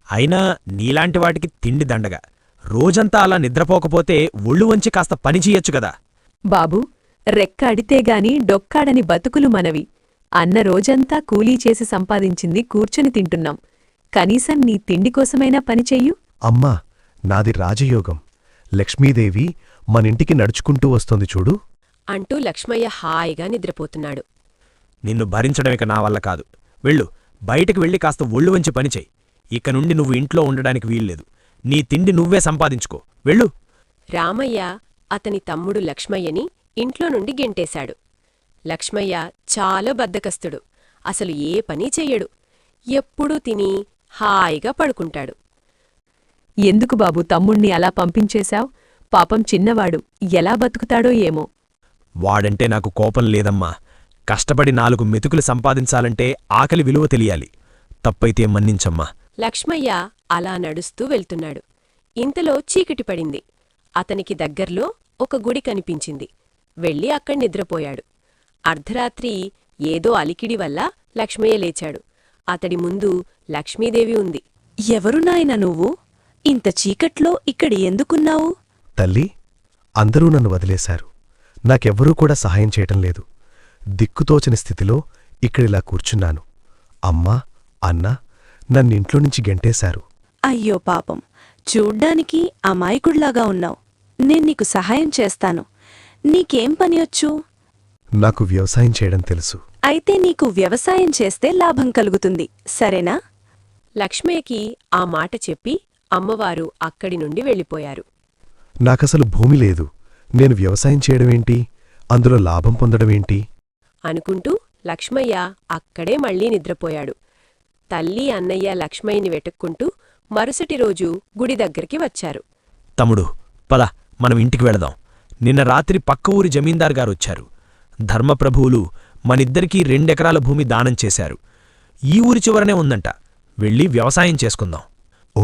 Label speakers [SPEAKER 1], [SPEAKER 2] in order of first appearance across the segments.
[SPEAKER 1] అయినా నీలాంటి వాటికి తిండి దండగా. రోజంతా అలా నిద్రపోకపోతే ఒళ్ళు వంచి కాస్త పని చెయ్యొచ్చు గదా.
[SPEAKER 2] బాబూ, రెక్క అడితేగాని డొక్కాడని బతుకులు మనవి. అన్న రోజంతా కూలీ చేసి సంపాదించింది కూర్చుని తింటున్నాం. కనీసం నీ తిండికోసమైనా పనిచెయ్యు.
[SPEAKER 3] అమ్మా, నాది రాజయోగం. లక్ష్మీదేవి మనింటికి నడుచుకుంటూ వస్తోంది చూడు
[SPEAKER 4] అంటూ లక్ష్మయ్య హాయిగా నిద్రపోతున్నాడు.
[SPEAKER 1] నిన్ను భరించడమిక నా వల్ల కాదు. వెళ్ళు, బయటికి వెళ్ళి కాస్త ఒళ్ళు వంచి పనిచెయ్యి. ఇక నుండి నువ్వు ఇంట్లో ఉండడానికి వీల్లేదు. నీ తిండి నువ్వే సంపాదించుకో. వెళ్ళు.
[SPEAKER 4] రామయ్య అతని తమ్ముడు లక్ష్మయ్యని ఇంట్లో నుండి గెంటేశాడు. లక్ష్మయ్య చాలా బద్ధకస్తుడు. అసలు ఏ పనీ చెయ్యడు. ఎప్పుడూ తిని హాయిగా పడుకుంటాడు.
[SPEAKER 2] ఎందుకు బాబూ తమ్ముణ్ణి అలా పంపించేశావ్? పాపం చిన్నవాడు ఎలా బతుకుతాడో ఏమో.
[SPEAKER 1] వాడంటే నాకు కోపం లేదమ్మా. కష్టపడి 4 మెతుకులు సంపాదించాలంటే ఆకలి విలువ తెలియాలి. తప్పైతే మన్నించమ్మా.
[SPEAKER 4] లక్ష్మయ్య అలా నడుస్తూ వెళ్తున్నాడు. ఇంతలో చీకటి పడింది. అతనికి దగ్గర్లో ఒక గుడి కనిపించింది. వెళ్ళి అక్కడ నిద్రపోయాడు. అర్ధరాత్రి ఏదో అలికిడి వల్ల లక్ష్మయ్య లేచాడు. అతడి ముందు లక్ష్మీదేవి ఉంది.
[SPEAKER 5] ఎవరు నాయనా నువ్వు? ఇంత చీకట్లో ఇక్కడ ఎందుకున్నావు?
[SPEAKER 3] తల్లి, అందరూ నన్ను వదిలేశారు. నాకెవ్వరూ కూడా సహాయం చేయటం లేదు. దిక్కుతోచని స్థితిలో ఇక్కడిలా కూర్చున్నాను. అమ్మా, అన్న నన్నింట్లో నుంచి గెంటేశారు.
[SPEAKER 5] అయ్యో పాపం, చూడ్డానికి అమాయకుడిలాగా ఉన్నావు. నేన్నీకు సహాయం చేస్తాను. నీకేం పనివొచ్చు?
[SPEAKER 3] నాకు వ్యవసాయం చేయడం తెలుసు.
[SPEAKER 5] అయితే నీకు వ్యవసాయం చేస్తే లాభం కలుగుతుంది, సరేనా?
[SPEAKER 4] లక్ష్మయ్యకి ఆ మాట చెప్పి అమ్మవారు అక్కడి నుండి వెళ్ళిపోయారు.
[SPEAKER 3] నాకసలు భూమి లేదు. నేను వ్యవసాయం చేయడమేంటి? అందులో లాభం పొందడమేంటి?
[SPEAKER 4] అనుకుంటూ లక్ష్మయ్య అక్కడే మళ్లీ నిద్రపోయాడు. తల్లి అన్నయ్య లక్ష్మయ్యని వెతుక్కుంటూ మరుసటి రోజు గుడి దగ్గరికి వచ్చారు.
[SPEAKER 1] తమ్ముడు, పద, మనం ఇంటికి వెళదాం. నిన్న రాత్రి పక్క ఊరి జమీందార్ గారొచ్చారు. ధర్మప్రభువులు మనిద్దరికీ 2 ఎకరాల భూమి దానం చేశారు. ఈ ఊరి చివరనే ఉందంట. వెళ్ళి వ్యవసాయం చేసుకుందాం.
[SPEAKER 3] ఓ,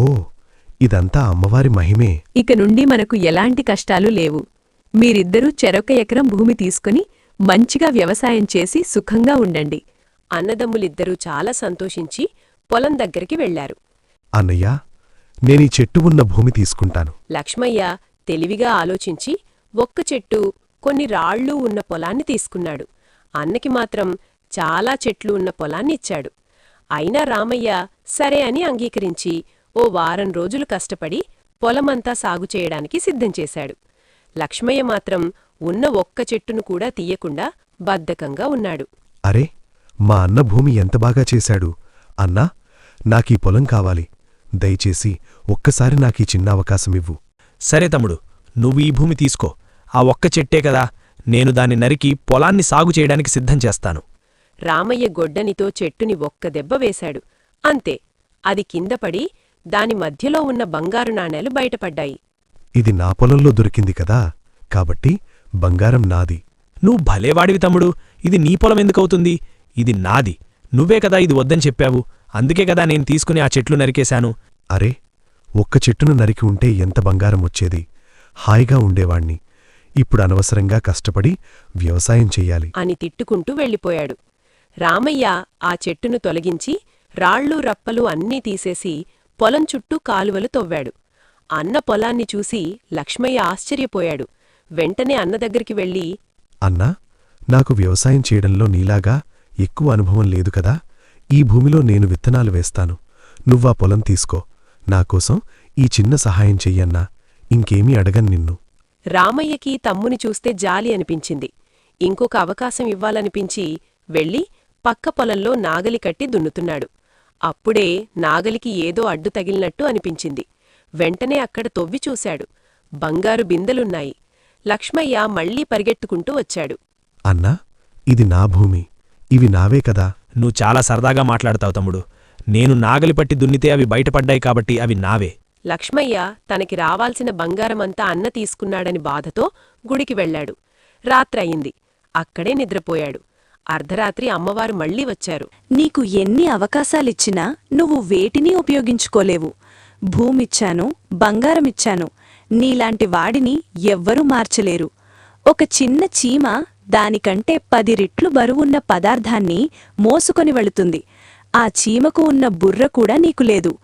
[SPEAKER 3] ఇదంతా అమ్మవారి మహిమే.
[SPEAKER 2] ఇక నుండి మనకు ఎలాంటి కష్టాలు లేవు. మీరిద్దరూ చెరొక ఎకరం భూమి తీసుకుని మంచిగా వ్యవసాయం చేసి సుఖంగా ఉండండి.
[SPEAKER 4] అన్నదమ్ములిద్దరూ చాలా సంతోషించి పొలం దగ్గరికి వెళ్లారు.
[SPEAKER 3] అన్నయ్యా, నేనీ చెట్టు ఉన్న భూమి తీసుకుంటాను.
[SPEAKER 4] లక్ష్మయ్య తెలివిగా ఆలోచించి ఒక్క చెట్టు, కొన్ని రాళ్లు ఉన్న పొలాన్ని తీసుకున్నాడు. అన్నకి మాత్రం చాలా చెట్లు ఉన్న పొలాన్ని ఇచ్చాడు. అయినా రామయ్య సరే అని అంగీకరించి ఓ వారం రోజులు కష్టపడి పొలమంతా సాగు చేయడానికి సిద్ధం చేశాడు. లక్ష్మయ్య మాత్రం ఉన్న ఒక్క చెట్టును కూడా తీయకుండా బద్ధకంగా ఉన్నాడు.
[SPEAKER 3] అరే, మా అన్న భూమి ఎంత బాగా చేశాడు. అన్నా, నాకీ పొలం కావాలి. దయచేసి ఒక్కసారి నాకీ చిన్న అవకాశమివ్వు.
[SPEAKER 1] సరే తమ్ముడు, నువ్వు ఈ భూమి తీసుకో. ఆ ఒక్క చెట్టే కదా, నేను దాన్ని నరికి పొలాన్ని సాగు చేయడానికి సిద్ధం చేస్తాను.
[SPEAKER 4] రామయ్య గొడ్డనితో చెట్టుని ఒక్క దెబ్బ వేశాడు. అంతే, అది కిందపడి దాని మధ్యలో ఉన్న బంగారు నాణేలు బయటపడ్డాయి.
[SPEAKER 3] ఇది నా పొలంలో దొరికింది కదా, కాబట్టి బంగారం నాది.
[SPEAKER 1] నువ్వు భలేవాడివి తమ్ముడు. ఇది నీ పొలం ఎందుకవుతుంది? ఇది నాది. నువ్వే కదా ఇది వద్దని చెప్పావు. అందుకే కదా నేను తీసుకుని ఆ చెట్లు నరికేశాను.
[SPEAKER 3] అరే, ఒక్క చెట్టును నరికి ఉంటే ఎంత బంగారం వచ్చేది. హాయిగా ఉండేవాణ్ణి. ఇప్పుడు అనవసరంగా కష్టపడి వ్యవసాయం చెయ్యాలి
[SPEAKER 4] అని తిట్టుకుంటూ వెళ్ళిపోయాడు. రామయ్య ఆ చెట్టును తొలగించి రాళ్ళు రప్పలు అన్నీ తీసేసి పొలం చుట్టూ కాలువలు తవ్వాడు. అన్న పొలాన్ని చూసి లక్ష్మయ్య ఆశ్చర్యపోయాడు. వెంటనే అన్న దగ్గరికి వెళ్ళి,
[SPEAKER 3] అన్నా, నాకు వ్యవసాయం చేయడంలో నీలాగా ఎక్కువ అనుభవం లేదు కదా. ఈ భూమిలో నేను విత్తనాలు వేస్తాను. నువ్వా పొలం తీసుకో. నాకోసం ఈ చిన్న సహాయం చెయ్యన్నా. ఇంకేమీ అడగను నిన్ను.
[SPEAKER 4] రామయ్యకి తమ్ముని చూస్తే జాలి అనిపించింది. ఇంకొక అవకాశం ఇవ్వాలనిపించి వెళ్ళి పక్క పొలంలో నాగలి కట్టి దున్నుతున్నాడు. అప్పుడే నాగలికి ఏదో అడ్డు తగిలినట్టు అనిపించింది. వెంటనే అక్కడ తొవ్వి చూశాడు. బంగారు బిందెలున్నాయి. లక్ష్మయ్య మళ్లీ పరిగెత్తుకుంటూ వచ్చాడు.
[SPEAKER 3] అన్నా, ఇది నా భూమి. ఇవి నావే కదా.
[SPEAKER 1] నువ్వు చాలా సరదాగా మాట్లాడతావు తమ్ముడు. నేను నాగలి పట్టి దున్నితే అవి బయటపడ్డాయి కాబట్టి అవి నావే.
[SPEAKER 4] లక్ష్మయ్య తనకి రావాల్సిన బంగారమంతా అన్న తీసుకున్నాడని బాధతో గుడికి వెళ్లాడు. రాత్రయింది. అక్కడే నిద్రపోయాడు. అర్ధరాత్రి అమ్మవారు మళ్లీ వచ్చారు.
[SPEAKER 5] నీకు ఎన్ని అవకాశాలిచ్చినా నువ్వు వేటినీ ఉపయోగించుకోలేవు. భూమిచ్చాను, బంగారమిచ్చాను. నీలాంటి వాడిని ఎవ్వరూ మార్చలేరు. ఒక చిన్న చీమ దానికంటే 10 రెట్లు బరువున్న పదార్థాన్ని మోసుకొని వెళుతుంది. ఆ చీమకు ఉన్న బుర్ర కూడా నీకు లేదు.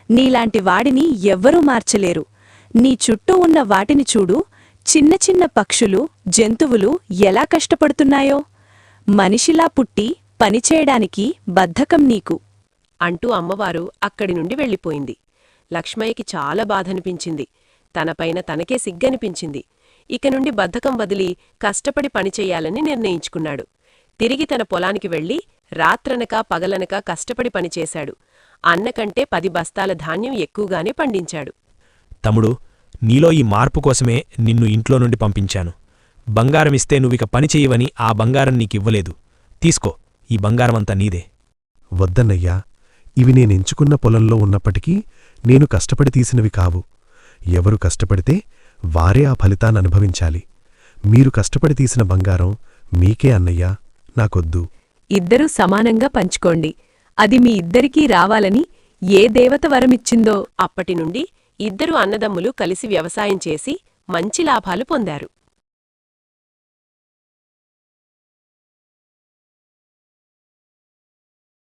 [SPEAKER 5] నీలాంటి వాడిని ఎవ్వరూ మార్చలేరు. నీ చుట్టూ ఉన్న వాటిని చూడు, చిన్న చిన్న పక్షులు, జంతువులు ఎలా కష్టపడుతున్నాయో. మనిషిలా పుట్టి పనిచేయడానికి బద్ధకం నీకు.
[SPEAKER 4] అంటూ అమ్మవారు అక్కడి నుండి వెళ్ళిపోయింది. లక్ష్మయ్యకి చాలా బాధనిపించింది. తనపైన తనకే సిగ్గనిపించింది. ఇక నుండి బద్ధకం వదిలి కష్టపడి పనిచెయ్యాలని నిర్ణయించుకున్నాడు. తిరిగి తన పొలానికి వెళ్లి రాత్రనక పగలనక కష్టపడి పనిచేశాడు. అన్నకంటే 10 బస్తాల ధాన్యం ఎక్కువగానే పండించాడు.
[SPEAKER 1] తమ్ముడు, నీలో ఈ మార్పు కోసమే నిన్ను ఇంట్లో నుండి పంపించాను. బంగారమిస్తే నువ్విక పని చెయ్యవని ఆ బంగారం నీకివ్వలేదు. తీసుకో, ఈ బంగారమంతా నీదే.
[SPEAKER 3] వద్దన్నయ్యా, ఇవి నేనెంచుకున్న పొలంలో ఉన్నప్పటికీ నేను కష్టపడి తీసినవి కావు. ఎవరు కష్టపడితే వారే ఆ ఫలితాన్ననుభవించాలి. మీరు కష్టపడి తీసిన బంగారం మీకే అన్నయ్యా, నాకొద్దు.
[SPEAKER 2] ఇద్దరూ సమానంగా పంచుకోండి. అది మీ ఇద్దరికీ రావాలని ఏ దేవత వరమిచ్చిందో.
[SPEAKER 4] అప్పటినుండి ఇద్దరు అన్నదమ్ములు కలిసి వ్యవసాయం చేసి మంచి లాభాలు పొందారు.